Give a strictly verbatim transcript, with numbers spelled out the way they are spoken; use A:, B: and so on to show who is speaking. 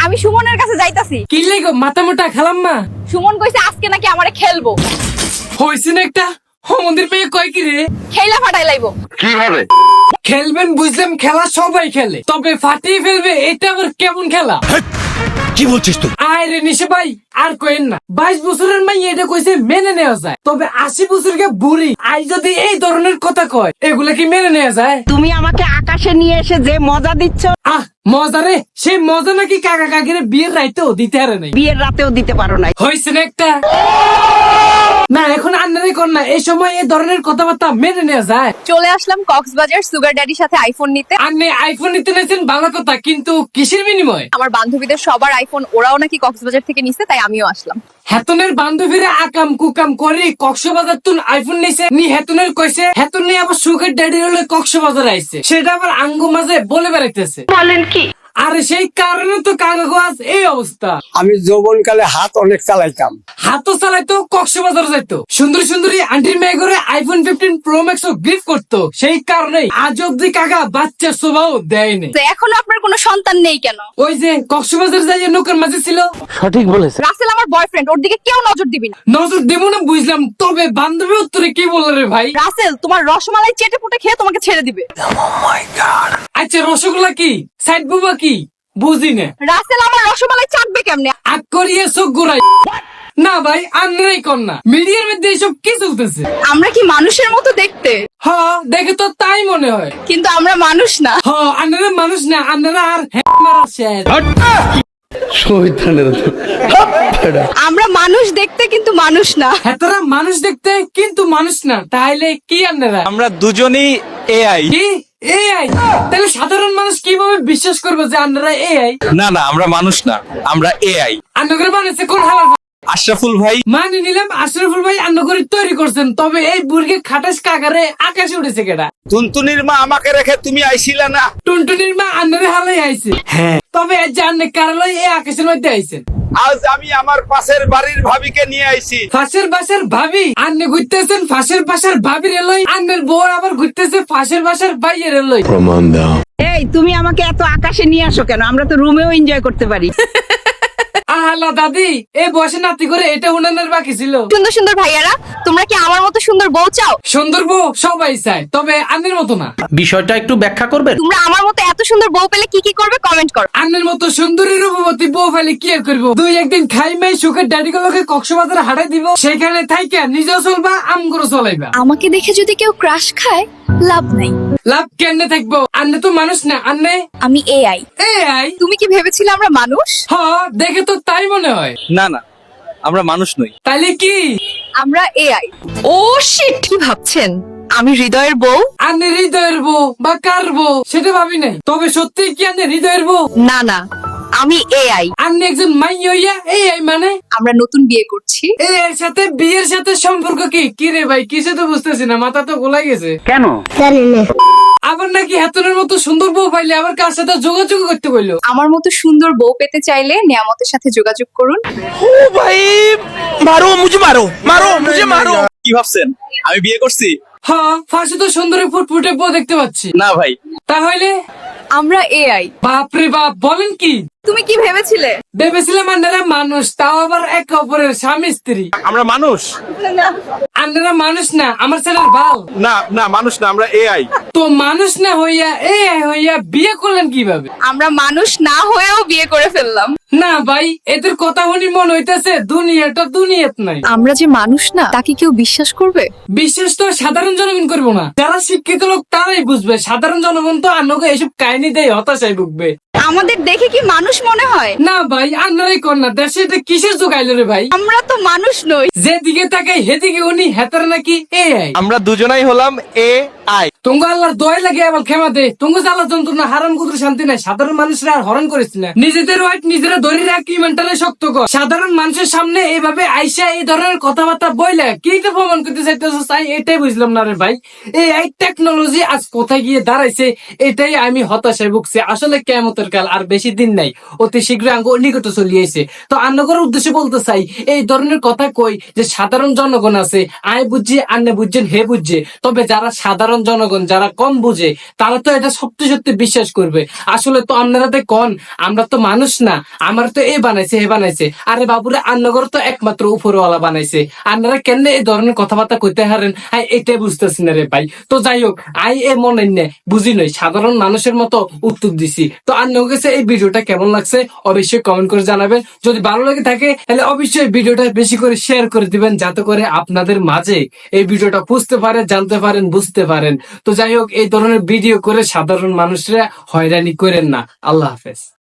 A: আমি সুমনের কাছে যাইতাছি।
B: কি লেগো মাথা মোটা খেলাম না?
A: সুমন কইছে আজকে নাকি আমারে খেলবো।
B: হয়েছে না একটা মন্দির পেয়ে কয় কি রে?
A: খেলা ফাটাই লাইবো।
C: কিভাবে
B: খেলবেন বুঝলাম, খেলা সবাই খেলে, তবে ফাটিয়ে ফেলবে এটা আবার কেমন খেলা?
C: কি বলছিস তুই?
B: আয় রে নিশে ভাই, আর কইেন না। বাইশ বছরের মাই এটা কইছে মেনে নেওয়া যায়, তবে আশি বছরকে বুড়ি আই যদি এই ধরনের কথা কয়, এগুলা কি মেনে নেওয়া যায়?
D: তুমি আমাকে আকাশে নিয়ে এসে যে মজা দিচ্ছ,
B: আহ মজা রে, সেই মজা নাকি কাকা কাকিরে বিয়ের রাইতেও দিতে হারে নাই,
D: বিয়ের রাতেও দিতে পারো নাই।
B: হয়েছে না একটা? না এখন আন্নারে কর না, এই সময় এই ধরনের কথাবার্তা মেনে নেওয়া যায়?
A: চলে আসলাম কক্সবাজার সুগার ড্যাডির সাথে আইফোন নিতে।
B: আপনি আইফোন নিতে নিয়েছেন ভালো কথা, কিন্তু কিসের বিনিময়?
A: আমার বান্ধবীদের সবার আইফোন, ওরাও নাকি কক্সবাজার থেকে নিছে, তাই আমিও আসলাম।
B: হেতনের বান্ধবীরা আকাম কুকাম করে কক্সবাজার তুন আইফোন নিছে নি, হেতনের কইছে হেতন নিয়ে আবার সুগার ড্যাডি হলে কক্সবাজার আইছে, সেটা আবার আঙ্গু মাঝে বলে বেড়াইতেছে।
D: বলেন কি?
B: আরে সেই কারণে তো কাগজ এই অবস্থা।
E: আমি যৌবনকালে হাত অনেক চালাইতাম।
B: হাতও চালাইতো, কক্সবাজার যাইতো, সুন্দর সুন্দরী আন্টির মেয়ে করে iPhone fifteen pro max gift করতো, সেই কারণেই আজ অব্দি কাকা বাচ্চার শোভাও দেয়নি।
A: তো এখনো আপনার কোনো সন্তান নেই কেন?
B: ওই যে কক্সবাজার যাই নৌকার মাঝে ছিল।
C: সঠিক বলেছে।
A: রাসেল আমার বয়ফ্রেন্ড, ওর দিকে কেউ নজর দিবি না।
B: নজর দেবো না বুঝলাম, তবে বান্ধবী উত্তরে কি বললো রে ভাই?
A: রাসেল তোমার রসমালাই চেটে পুটে খেয়ে তোমাকে ছেড়ে দিবে।
B: আচ্ছা রসগোল্লা কি, সাইড বুবা কি, বুঝি না।
A: রাসেল আমার রসমালাই চাটবে কেমনে?
B: আগ করিয়ে চোখ গোড়াই না ভাই, আন্নারাই কর না, মিডিয়ার মধ্যে এইসব কি চলতেছে?
A: আমরা কি মানুষের মতো দেখতে?
B: হ দেখে তো তাই মনে হয়।
A: কিন্তু আমরা মানুষ না।
B: হ আন্নারা মানুষ না, আন্নারা আর হ্যাঁ মারা শেষ।
A: আমরা মানুষ দেখতে কিন্তু মানুষ না।
B: হ্যাঁ তোরা মানুষ দেখতে কিন্তু মানুষ না, তাহলে কি আন্নারা?
F: আমরা দুজনই এআই।
B: কি এআই? তাহলে সাধারণ মানুষ কিভাবে বিশ্বাস করবে যে আন্নারা এআই?
F: না না, আমরা মানুষ না, আমরা এআই।
B: আন্নাগরে বানাইছে কোন হালার?
F: আশরাফুল ভাই।
B: মানে নিলাম আশরাফুল ভাই আন্নাগরি তৈরি করছেন, তবে এই বুর্গে খাটাস কাকারে আকাশে উঠেছে কেডা?
F: তুনতুনির মা আমাকে রেখে তুমি আইছিলা না?
B: টুনটুনির মা আন্নারে হালাই আইছে। হ্যাঁ তবে জানে কারালয় এই আকাশের মধ্যে আইছে।
F: আজ আমি আমার পাশের বাড়ির ভাবিকে নিয়ে আইছি।
B: ফাঁসের বাসার ভাবি? আন্নে ঘুরতেছেন ফাঁসের বাসার ভাবির এলই, আন্নের বউ আবার ঘুরতেছে ফাঁসের বাসার ভাইয়ের এলই।
C: প্রমাণ দাও।
D: এই তুমি আমাকে এত আকাশে নিয়ে আসো কেন? আমরা তো রুমেও এনজয় করতে পারি।
B: আহলা দাদি, এই বয়সে নাতি করে এটা উনানের বাকি ছিল।
A: সুন্দর সুন্দর ভাইয়ারা, তোমরা কি আমার মতো সুন্দর বউ চাও?
B: সুন্দর বউ সবাই চায়, তবে আন্নের মতো না।
G: বিষয়টা একটু ব্যাখ্যা করবেন?
A: তোমরা আমার মতো এত সুন্দর বউ পেলে কি কি করবে কমেন্ট করো।
B: আন্নের মতো সুন্দরী রূপবতী বউ ফেলে কি আর করবো? দুই একদিন খাই মাই সুখের ড্যাডি গুলোকে কক্সবাজারে হারাই দিব, সেখানে থাইকা নিজেও চলবা, আমগুলো চলাইবা।
A: আমাকে দেখে যদি কেউ ক্রাশ খায়, লাভ নাই।
B: লাভ কেনে থাকবো? আন্নে তো মানুষ না, আন্নে
A: আমি এআই।
B: এআই।
A: তুমি কি ভেবেছিলে আমরা মানুষ?
B: হ দেখে তো তাই মনে হয়।
F: না না, আমরা মানুষ নই।
B: তাইলে কি?
A: আমরা এআই। ও শিট, কি ভাবছেন আমি হৃদয়ের বউ?
B: আন্নে হৃদয়ের বউ বা কার বউ সেটা ভাবি নাই, তবে সত্যি কি আন্নে হৃদয়ের বউ?
A: না না, আমি এআই।
B: আন্নে একজন মাই হইয়া এআই মানে?
A: আমরা নতুন বিয়ে করছি।
B: এর সাথে বিয়ের সাথে সম্পর্ক কি? কি রে ভাই, কিছু তো বুঝতেছি না, মাথা তো গোলাই গেছে।
D: কেন?
B: আবার নাকি হাতুনের মতো সুন্দর বউ পাইলে আবার কার সাথে যোগাযোগ করতে বললো?
A: আমার মতো সুন্দর বউ পেতে চাইলে নিয়ামতের সাথে যোগাযোগ করুন।
F: কি ভাবছেন আমি বিয়ে করছি?
B: হ্যাঁ ফাঁসে তো সুন্দরী ফুটফুটে বউ দেখতে পাচ্ছি।
F: না ভাই।
B: তাহলে
A: আমরা এআই।
B: বাপরে বাপ, বলেন কি?
A: তুমি কি ভেবেছিলে?
B: ভেবেছিলাম আন্নারা মানুষ, তাও আবার একে অপরের স্বামী স্ত্রী।
F: আমরা মানুষ
B: আন্নারা মানুষ না, আমার ছেলের ভাল।
F: না না, মানুষ না, আমরা এআই।
B: তো মানুষ না হইয়া এআই হইয়া বিয়ে করলেন কিভাবে?
A: আমরা মানুষ না হয়েও বিয়ে করে ফেললাম।
B: না ভাই, এদের কথা শুনি মনে হইতেছে দুনিয়াটা দুনিয়াত নাই।
A: আমরা যে মানুষ না তাকে কেউ বিশ্বাস করবে?
B: বিশেষ তো সাধারণ জনগণ করবো না, যারা শিক্ষিত লোক তারাই বুঝবে। সাধারণ জনগণ তো আন্নকে এইসব কাহিনী দেয়, হতাশায় ভুগবে।
A: আমাদের দেখে কি মানুষ মনে হয়?
B: না ভাই, আন্নারাই কর না, দেশে এটা কিসের যুগ আইলো রে ভাই?
A: আমরা তো মানুষ নই।
B: যেদিকে তাকাই হেদিকে উনি হেতার নাকি এআই।
F: আমরা দুজনাই হলাম এআই।
B: তুঙ্গ আল্লাহর দয় লাগে আবার ক্ষমা দে, তুঙ্গ জ্বালা যন্ত্রণা হারাম কুদুর শান্তি নাই। সাধারণ মানুষরা আর হরণ করিস না, নিজেদের ওয়াইট নিজেরা ধরে রাখ, কি মেন্টালে শক্ত কর। সাধারণ মানুষের সামনে এইভাবে আইসা এই ধরনের কথাবার্তা বইলে কি তো প্রমাণ করতে চাইতেছ? চাই এটাই বুঝলাম না রে ভাই। এই টেকনোলজি আজ কোথায় গিয়ে দাঁড়াইছে, এটাই আমি হতাশায় ভুগছি। আসলে কেমন অন্তর্কাল আর বেশি দিন নাই, অতি শীঘ্রই আঙ্গ নিকট চলিয়েছে। তো আন্নগর উদ্দেশ্যে বলতে চাই, এই ধরনের কথা কই যে সাধারণ জনগণ আছে, আয় বুঝছে আন্নে বুঝছেন হে বুঝছে, তবে যারা সাধারণ জনগণ যারা কম বুঝে তারা তো এটা সত্যি সত্যি বিশ্বাস করবে। আসলে তো আপনারা তো কন আমরা তো মানুষ না, আমার তো এ বানাইছে হে বানাইছে, আরে বাবুরে আন্নগর তো একমাত্র উপরওয়ালা বানাইছে, আপনারা কেন এই ধরনের কথাবার্তা কইতে হারেন, হ্যাঁ এটাই বুঝতেছি না রে ভাই। তো যাই হোক, আই এ মনে নেই বুঝি নই, সাধারণ মানুষের মতো উত্তর দিছি। তো আন্নের কাছে এই ভিডিওটা কেমন লাগছে অবশ্যই কমেন্ট করে জানাবেন। যদি ভালো লাগে থাকে তাহলে অবশ্যই ভিডিওটা বেশি করে শেয়ার করে দিবেন, যাতে করে আপনাদের মাঝে এই ভিডিওটা বুঝতে পারেন, জানতে পারেন, বুঝতে পারেন। তো যাই হোক, এই ধরনের ভিডিও করে সাধারণ মানুষরা হয়রানি করেন না। আল্লাহ হাফেজ।